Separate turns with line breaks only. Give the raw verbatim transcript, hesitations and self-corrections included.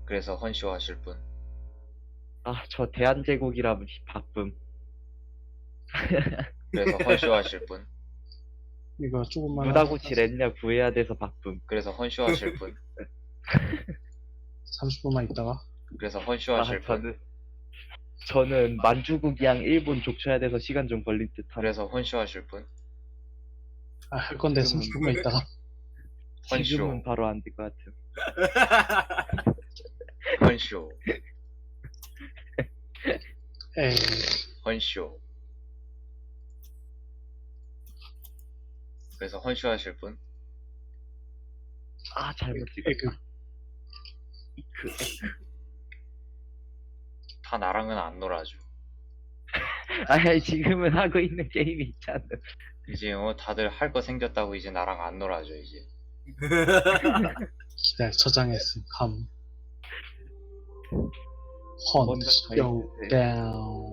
그래서 헌쇼 하실 분.
아, 저 대한제국이라 바쁨.
그래서 헌쇼 하실 분.
이거 조금만
무다구치
하다가
렌냐 구해야 돼서 바쁨.
그래서 헌쇼 하실 분.
삼십 분만 있다가
그래서 헌쇼
아,
하실 분.
저는 저는 만주국이랑 일본 족쳐야 돼서 시간 좀 걸릴 듯함.
그래서 헌쇼 하실 분.
아, 할 건데
지금은-
삼십 분만 있다가
지금은
헌쇼.
바로 안 될 것 같음.
헌쇼.
에이
헌쇼. 그래서 헌쇼 하실 분.
아, 잘못
에그
찍었다. 이크, 에크.
다 나랑은 안 놀아줘.
아니, 지금은 하고 있는 게임이 있잖아.
이제 어 다들 할 거 생겼다고 이제 나랑 안 놀아줘 이제.
기다려 저장했음 감 헌
뭔가 더
쇼
있는데.
다운